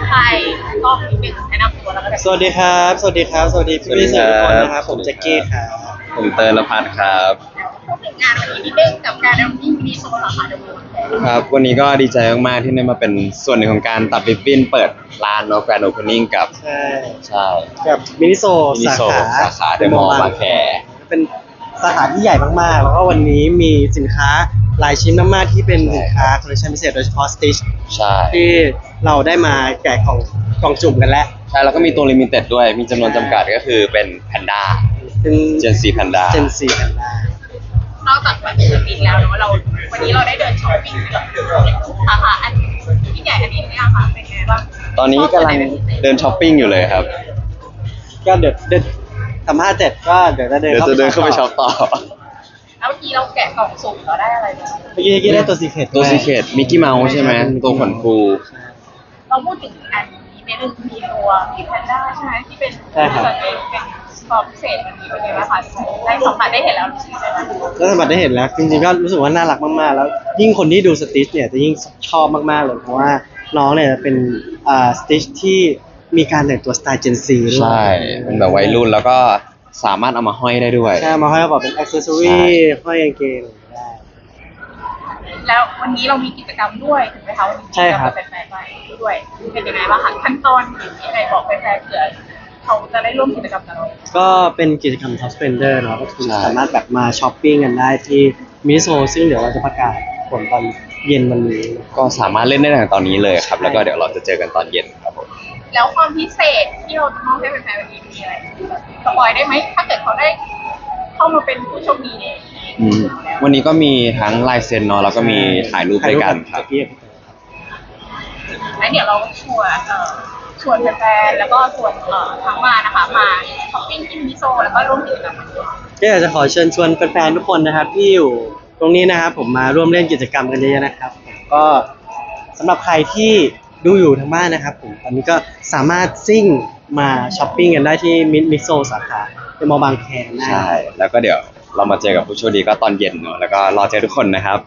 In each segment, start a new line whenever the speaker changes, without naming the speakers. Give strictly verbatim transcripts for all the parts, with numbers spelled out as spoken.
ใครก็นิดนึงแนะนำตัวแล้วก็ได้
สวัสดีครับ สวัสดีครับ สวัสดีพี่พี่ๆสื่อทุกคนนะครับ ผมแจ็คกี้ครับ
ผมเตอร์ละพัดครับ
พูดถึงงานวันนี้นิดนึงกับการเอาที่มินิโซสาขาเดอะมอลล์
ครับ วันนี้ก็ดีใจมากๆที่ได้มาเป็นส่วนหนึ่งของการตัดริบบิ้นเปิดร้านเนาะแกรนด์โอเพนนิ่งกับ
ใช่
ใช่
กับมินิโซ
มินิ
สา
โซ
ขา
สาขาเดอะมอลล์บางแค
เป็นสาขาที่ใหญ่มากๆ แล้วก็วันนี้มีสินค้าหลายชิ้นมากๆที่เป็นสินค้าคอลเลคชันพิเศษโดยเฉพาะ Stitch
ใช่
ที่เราได้มาแกะกล่องกล่องจุ่มกันแล้ว
ใช่แล้วก็มีตัวลิมิเต็ดด้วยมีจำนวนจำกัดก็คือเป็นแพนด้า
ซึ่ง
เจนซีแพนด้า
เจนซีกันได้
นอกจากแบบศิลปินแล้วเนาะเราวันนี้เราได้เดินช้อปปิ้งกับสาขาอันที่ใหญ่อันนี้เนี่ยค่ะเป็นไงบ้าง
ตอนนี้กำลังเดินช้อปปิ้งอยู่เลยครับ
ก็เดี๋ยวเดี๋ยวสัมภาษณ์เสร็จก็เดี๋ยวจะเดิน
เดี๋ยวจะเดินเข้าไปช็อปต่อ
แล้วเมื่อกี้เราแกะกล่องสุ่มเราได้อะไรบ้าง
เมื่อกี้เมื่อกี้ได้ตัวซีเคร็ต
ตัวซีเคทมิกกี้เมาส์ใช่ไหมตัวขนฟู
เราพูดถึงอันนี้ในเรื่องมีตัวมีแพนด้าใช่ไหมที่เป็นส่วนเป็นเป็นซอฟพิเศษวันนี้เป็นไงบ้างคะได้สัมผัสได้เห็นแล้วรู้สึกยังไงบ้าง
แล้วสัมผัสได้เห็นแล้วจริงๆก็รู้สึกว่าน่ารักมากๆ แล้วยิ่งคนที่ดูสติชเนี่ยจะยิ่งชอบมากๆเลยเพราะว่าน้องเนี่ยเป็นอ่าสติชที่มีการแต่งตัวสไตล์เจนซีด้วย
ใช่เป็นแบบวัยรุ่นแล้วก็สามารถเอามาห้อยได้ด้วย
ใช่มาห้อยแบบเป็นอ็อกเซสซอรี่ห้อยกางเกงได้
แล้ววันนี้เรามีกิจกรรมด้วยถูกไหมคะวันนี้
ใช่ครับ
เป็นแฟนๆไปด้วยเป็นยังไงบ้างคะขั้นตอนหรือมีอะไรบอกแฟนๆเผื่อเขาจะได้ร่วมกิจกรรมกับเรา
ก็เป็นกิจกรรม Top Spender เนาะก็คือ
ใช่
สามารถแบบมาช้อปปิ้งกันได้ที่มินิโซซึ่งเดี๋ยวเราจะประกาศผลตอนเย็นวันนี้นะครับ
ก็สามารถเล่นได้ตั้งแต่ตอนนี้เลยครับ แล้วก็เดี๋ยวเราจะเจอกันตอนเย็นครับผม
แล้วความพิเศษที่เราจะมอบให้แฟนๆวันนี้มีอะไรสปอยได้ไหมถ้าเกิดเขาได้เข้ามาเป็นผู้โชคดีเนี่ย
อืมวันนี้ก็มีทั้งลายเซ็นเนาะแล้วก็มีถ่ายรูปด้วยกันครับ
ถ่ายรูปกั
แล้วเดี๋ยวเราชวนเอ่อชวนแฟนๆแล้วก็ชวนเอ่อทั้งมานะคะมาช้อปปิ้งที่มินิโซแล้วก็ร่วมกิจกรรมกันด้วย
ก็อยากจะขอเชิญชวนแฟนๆทุกคนนะครับที่อยู่ตรงนี้นะครับผมมาร่วมเล่นกิจกรรมกันเยอะๆนะครับผมก็สำหรับใครที่ดูอยู่ทางบ้านนะครับผมตอนนี้ก็สามารถซิ่งมาช้อปปิ้งกันได้ที่มิมิโซสาขาเดอะมอลล์บางแคได้
ใช่ แล้วก็เดี๋ยวเรามาเจอกับผู้โชคดีก็ตอนเย็นเนาะแล้วก็รอเจอทุกคนนะครับ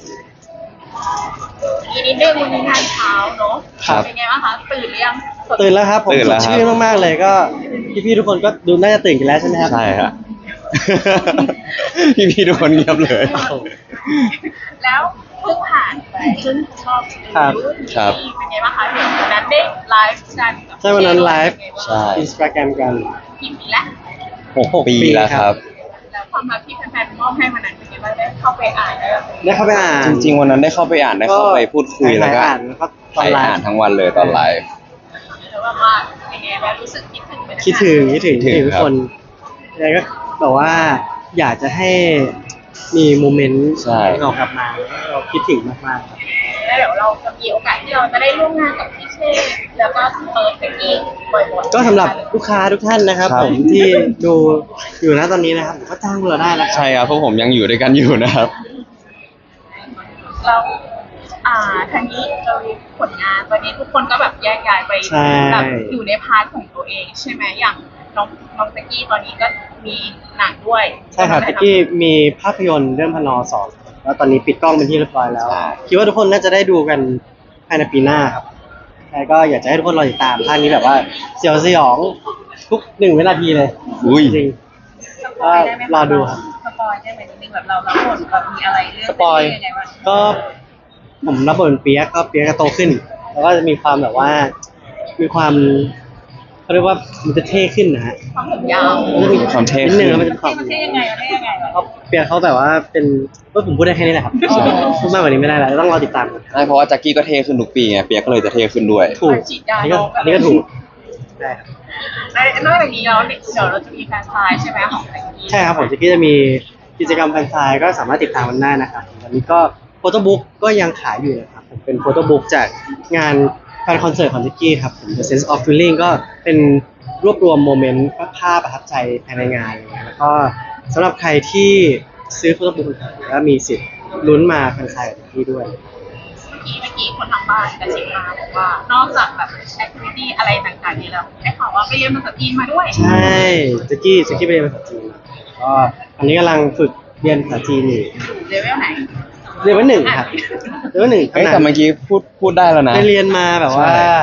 อีกนิดนึงวันนี้งานเช้าเนาะ
ครับ
เป็นไงบ้างคะตื่นหรือยังสด
ตื่นแล้วครับผม
ตื่น
ส
แล้
ด
วครับ
ชื่นมากๆเลยก็พี่ๆทุกคนก็ดูน่าจะตื่นกันแล้วใช่ไหมครับ
ใช่ครับ พี่ๆทุกคนเงียบเลย
แล้วเพิ่งผ่านไปซึ่งชอบ
ครับ
ครับ
เป็นไงบ้างคะเดี๋ยววันนั้นได้ไลฟ์กันกับ
ใช่วันนั้นไลฟ์
ใช่
อินสตาแกรมกัน
กี่ปีแล้ว
หกปีแล้วครับ
แล้วความรักที่แฟนๆมอบให้วันนั้นเป็นไงบ้างได้เข้าไปอ่านได้ไหม
ได้เข้าไปอ่าน
จริง ๆ วันนั้นได้เข้าไปอ่านได้เข้าไปพูดคุยแล้วก็
อ่านแล้วก็ตอน
ไป
ไล
อ่าน
ฟ์
ทั้งวันเลยตอนไลฟ์
แล้วว่าว่าเป็นไงแล้วรู้สึกคิดถึงไหมนะะ
คิดถึงคิดถึง
คิดถึง
ทุก
ครับ
คนยังไงก็แบบว่าอยากจะให้มีโมเมนต์
ใช่
เรากลับมาเราคิดถึงมากๆครับ
แล้วเดี๋ยวเราจะมีโอกาสที่เราจะได้ร่วมงานกับพี่เชษแล้วก็เปิดเป็นอีกบ่อยๆ
ก็สำหรับลูกค้าทุกท่านนะครับ
ครับ
ผมที่ดูอยู่นะตอนนี้นะครับผมก็จ้างพวกเราได้นะครับ
ใช่ครับเพราะผมยังอยู่ด้วยกันอยู่นะครับ
เราอ่าทางนี้เรามีผลงานตอนนี้ทุกคนก็แบบแยกย้ายไป
ใช่
แบบอยู่ในพาร์ทของตัวเองใช่ไหมอย่างน้องน้องแจ็กกี้ตอนนี้ก็มีหนังด้วย
ใช่ครับเมื่อกี้มีภาพยนตร์เรื่องพนอสองแล้วตอนนี้ปิดกล้องเป็นที่เรียบร้อยแล้ว
ใช่
คิดว่าทุกคนน่าจะได้ดูกันภายในปีหน้าครับใช่ก็อยากจะให้ทุกคนรอติดตามภาคนี้แบบว่าเสียวสยองทุกหนึ่งวินาทีเลย
อุ้ย
จริง
สปอยได้ไหมคะ
รอดูครับ
สปอยได้ไหมนิดนึงแบบเราเราผลแบบมีอะไรเรื่อง
สปอย
ยังไงบ้าง
ก็ผมรับบทเป็นเปียกก็เปียกก็โตขึ้น แล้วก็จะมีความแบบว่า มีความเขาเรียกว่ามันจะเท่ขึ้นนะฮะ
ความผมยาว
มันจะมี
ความเท่
นิดนึง
ขึ้น
แล้วมันจะมีความ
มันเท่ยังไงมันเท่ยังไงวะ
เขาเปียกเขาแบบว่าเป็นว่าผมพูดได้แค่นี้แหละครับ
อ๋อ
พูดมากกว่านี้ไม่ได้แล้วต้องรอติดตามกัน
ใช่เพราะว่าแจ็คกี้ก็เท่ขึ้นทุกปีไงเปียกก็เลยจะเท่ขึ้นด้วย
ถูก
ฉีดยา
อันนี้ก็
น้องกัน
อันนี้ก็ถูกใช่ครับ
แล้วนอกจากนี้เราเดี๋ยวเราจะมีแฟนชายใช่ไหมของแจ็กกี้
ใช่ครับผมจะกี้จะมีกิจกรรมแฟนไซน์ก็สามารถติดตามมันได้นะครับตอนนี้ก็โฟโต้บุ๊กก็ยังขายอยู่นะครับผมเป็นโฟโต้บุ๊กจากงานแฟนคอนเสิร์ตของจิกกี้ครับผม The Sense of Feeling ก็เป็นรวบรวมโมเมนต์ภาพประทับใจภายในงานอะไรเงี้ยแล้วก็สำหรับใครที่ซื้อโฟโต้บุ๊กก็มีสิทธิ์ลุ้นมาแฟนไซน์กับจิกกี้ด้วย
เมื่อกี้เมื่อกี้คนทางบ้านกระซิบมาบอกว่านอกจากแบบแอคทิวิตี้อะไรต่างๆนี้แล้วได้ข่าวว่าไปเรียนภาษาจีนมาด้วย
ใช่จิกกี้จิกกี้ไปเรียนภาษาจีนมาก็อันนี้กำลังฝึกเรียนภาษาจีนอยู่
เลเวลไหน
เรียนวันหนึ่งครับเรียนวันหนึ่ง
เฮ้ยแต่เมื่อกี้พูดพูดได้แล้วนะ
ได้เรียนมาแบบว่า
ใช่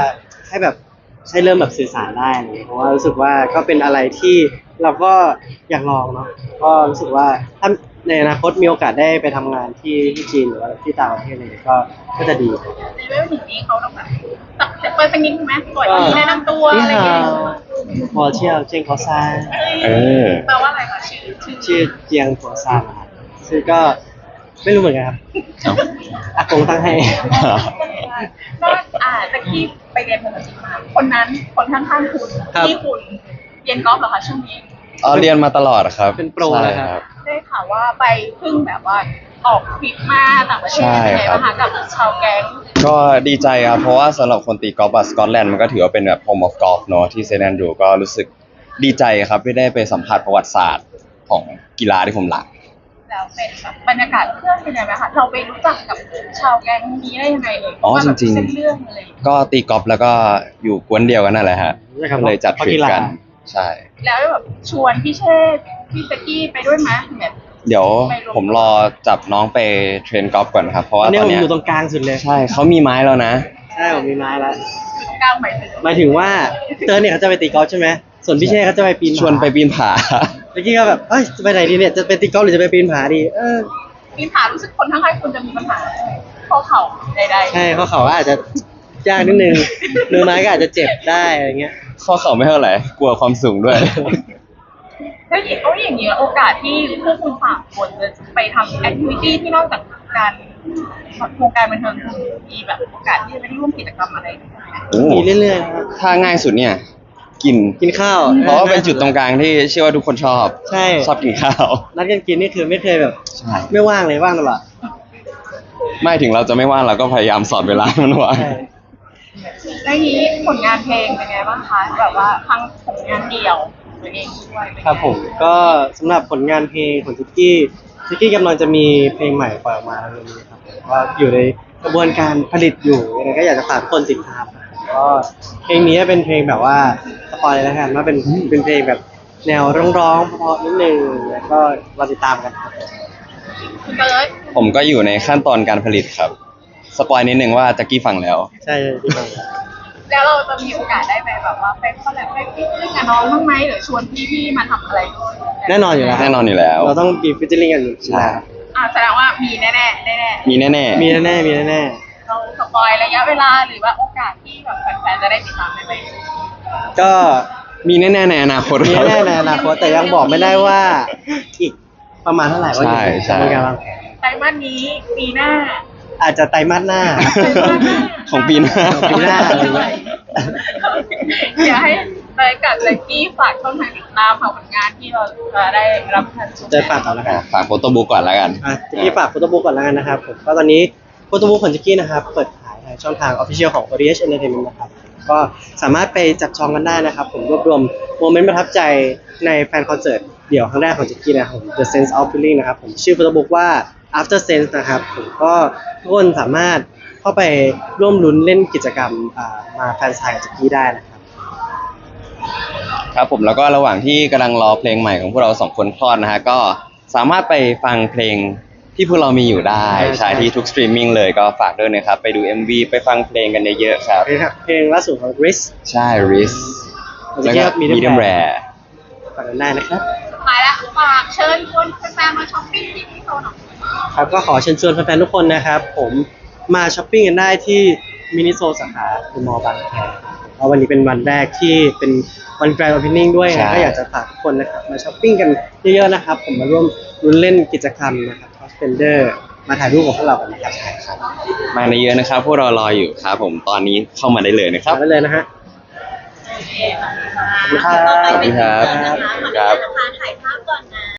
ให้แบบให้เริ่มแบบสื่อสารได้อะไรเงี้ยเพราะว่ารู้สึกว่าก็เป็นอะไรที่เราก็อยากลองเนาะก็รู้สึกว่าถ้าในอนาคตมีโอกาสได้ไปทำงานที่ที่จีนหรือว่าที่ต่างประเทศอะไรเงี้ยก็ก็จะดี
ในเรื่องนี้เขาต้องแบบตัดเปิดสักนิดไหมก่อนที่แนะนำตัวอะไรอย่างเงี้ย
พอเชี่ยวเจียงขอซาน
เออ
แปลว่าอะไรคะชื่อชื่อ
ชื่อเจียงขอซานนะครับซึ่งก็ไม่รู้เหมือนกันครับ
เอ้า
อากงตั้งให้
ก็อ่าตะกี้ไปเรียนภาษาจีนมาคนนั้นคนข้างๆคุณ
ครับ
ที่คุณเรียนกอล์ฟเหรอคะช่วงนี้
อ๋อเรียนมาตลอดครับ
เป็นโปร
ใช่
เลยครับ
ได้ข่าวว่าไปเพิ่งแบบว่าออกทริปมาต่างประเทศ
ใช่
เป็นไง
ครับ
บ้างคะกับชาวแก๊ง
ก็ดีใจครับเพราะว่าสำหรับคนตีกอล์ฟอะสกอตแลนด์มันก็ถือว่าเป็นแบบ home of golf เนอะที่เซนต์แอนดรูว์ก็รู้สึกดีใจครับที่ได้ไปสัมผัสประวัติศาสตร์ของกีฬาที่ผมรัก
แล้วเป็นแบบบรรยากาศเพื่อนเป็นยังไงคะเราไปรู้จักกับชาวแก๊งนี้ได้ยังไงเอ่ย
อ๋อ
ว่าแบบ
จริงๆ
เส้นเรื่องอะไรอย่างเงี้ย
ก็ตีกอล์ฟแล้วก็อยู่กวนเดียวกันนั่นแหละฮะ
ใช่ครับ
ก็เลยจัดทริปกัน ใช่
แล้วแบบชวนพี่เชษฐ์พี่ตะกี้ไปด้วยไหมแบบ
เดี๋ยวผมรอจับน้องไปเทรนกอล์ฟก่อนครับ เพราะ
ตอ
ว่าน
นี้
ตอ
ผ
น
ม
เนี้ย
อยู่ตรงกลางสุดเลย
ใช่เขามีไม้แล้วนะ
ใช่ผมมีไม้แล้ว
อยู่ตรงกลางหมายถึง
หมายถึงว่าเตอร์เนี่ยเขาจะไปตีกอล์ฟใช่ไหมส่วนพี่เช่เขาจะไปปีนผา
ชวนไปปีนผา
เมื่อกี้ก็แบบเอ้ยจะไปไหนดีเนี่ยจะไปตีกอล์ฟหรือจะไปปีนผาดีเออ
มีถามรู้สึกคนข้างๆคุณจะมีปัญหาข้อเข่าใดๆ
ใช่เขาเขาอาจจะยากนิดนึงมือไม้ก็อาจจะเจ็บได้อะไรเงี้ย
ข้อเข่าไม่เท่าไหร่กลัวความสูงด้วย
แล้วอย่างเอาอย่างนี้โอกาสที่พวกคุณสามคนจะไปทำแอคทิวิตี้ที่นอกจากการโครงการบันเทิงคุณมีแบบโอกาสที่จะไปร่วมกิจกรรมอะไรไหม
โอ้
มีเรื่อยๆนะครับ
ถ้าง่ายสุดเนี่ย กิน
กินข้าว
เพราะว่าเป็นจุดตรงกลางที่เชื่อว่าทุกคนชอบ
ใช่
ชอบกินข้าว
นัดกันกินนี่คือไม่เคยแบบ
ใช่
ไม่ว่างเลยว่างตลอด
ไม่ถึงเราจะไม่ว่างเราก็พยายามสอดเวลาให้มันว่าง
ใช่
แล้วนี้ผลงานเพลงเป็นไงบ้างคะแบบว่าทั้งผลงานเดี่ยวตัวเองด้วยเป็นไง
ครับผมก็สำหรับผลงานเพลงของจิกกี้จิกกี้กำลังจะมีเพลงใหม่ปล่อยออกมาเร็วนี้ครับก็อยู่ในกระบวนการผลิตอยู่ยังไงก็อยากจะฝากทุกคนติดตามครับก็เพลงนี้เป็นเพลงแบบว่าสปอยเลยแล้วกันว่าเป็นเป็นเพลงแบบแนวร้องๆเพราะๆนิดนึงแล้วก็รอติดตามกันครับ
คุณเติร์ด
ผมก็อยู่ในขั้นตอนการผลิตครับ สปอยนิดนึงว่าแจ็กกี้ฟังแล้ว
ใช่ที่ฟัง
แล้วเราจะมีโอกาสได้ไปแบบว่าไปคอลแลบไปฟิชเชอร์กับน้องบ้างไหมหรือชวนพี่ๆมาทำอะไรด้วย
แน่นอนอยู่แล้ว
แน่นอนอยู่แล้ว
เราต้องมีฟิชเชอร์ลิงกันอยู่
ใช่
อ่าแสดงว่ามีแน่ๆแน่
มีแน่ๆ
มีแน่ๆมีแน่
ๆเราสปอยระยะเวลาหรือว่าโอกาสที่แบบแฟนๆจะได้ติดตามได้ไหม
ๆก็
มีแน่ๆในอนาคต
มี
ครับ
แน่ๆในอนาคตแต่ยังบอกไม่ได้ว่าอีกประมาณเท่าไหร่ว่าอยู่
ใช่ใช่
ในการวางแผน
ไตรมาสนี้ปีหน้า
อาจจะไตรมาสหน้า
ของปีหน้า
ของปีหน้าอะไรเงี้ย
อยากให้เตยกับแจ็คกี้ฝากช่องทางติดตามค่ะผลงานที่เราจะได้รับการชม
เจะฝากก่อนแล้วกัน
ฝากโฟโต้บุ๊กก่อนแล้วกัน
อ่ะจิกกี้ฝากโฟโต้บุ๊กก่อนแล้วกันนะครับผมก็ตอนนี้โฟโต้บุ๊กของจิกกี้นะครับเปิดขายทางช่องทาง Official ของ โอ ดี เอช Entertainment นะครับก็สามารถไปจับจองกันได้นะครับผมรวบรวมโมเมนต์ประทับใจในแฟนคอนเสิร์ตเดี่ยวครั้งแรกของจิกกี้นะครับผม The Sense of Feeling นะครับผมชื่อโฟโต้บุ๊กว่า After Sense นะครับผมก็ทุกคนสามารถเข้าไปร่วมลุ้นเล่นกิจกรรมอ่ามาแฟนไซน์กับจิกกี้ได้นะครับ
ครับผมแล้วก็ระหว่างที่กำลังรอเพลงใหม่ของพวกเราสองคนคลอดนะฮะก็สามารถไปฟังเพลงที่พวกเรามีอยู่ได้
ใช่
ใช่ที่ทุกสตรีมมิ่งเลยก็ฝากด้วยนะครับ ไปดู เอ็ม วี ไปฟังเพลงกันเยอะๆครับ
เพลงครับเพลงล่าสุดของ Riz
ใช่ Riz แล้วก็
Medium
Medium
Rare
Rare
ฝากกันได้นะครับ
สุดท้ายแล้วฝากเชิญชวนแฟนๆมาช้อปปิ้งที่ที่โซนหน่อย
ครับก็ขอเชิญชวนแฟนๆทุกคนนะครับผมมาช้อปปิ้งกันได้ที่มินิโซสาขาคือมอบางแคเพราะวันนี้เป็นวันแรกที่เป็นวันแกรนด์โอเพนนิ่งด้วย
ใช่
นะก็อยากจะฝากทุกคนนะครับมาช้อปปิ้งกันเยอะๆนะครับผมมาร่วมรุ้นเล่นกิจกรรมนะครับคอสเพนเดอร์มาถ่ายรูปกับพวกเรากันนะครับ
มาในเยอะนะครับ พวกเรารออยู่ครับผมตอนนี้เข้ามาได้เลยนะครับ
ฝากไว้เลยนะฮะ
โอเคขอบคุณค่ะ
ขอบคุณครับ
ขอบคุณครับ
ขออนุญาตนะคะถ่ายภาพก่อนนะ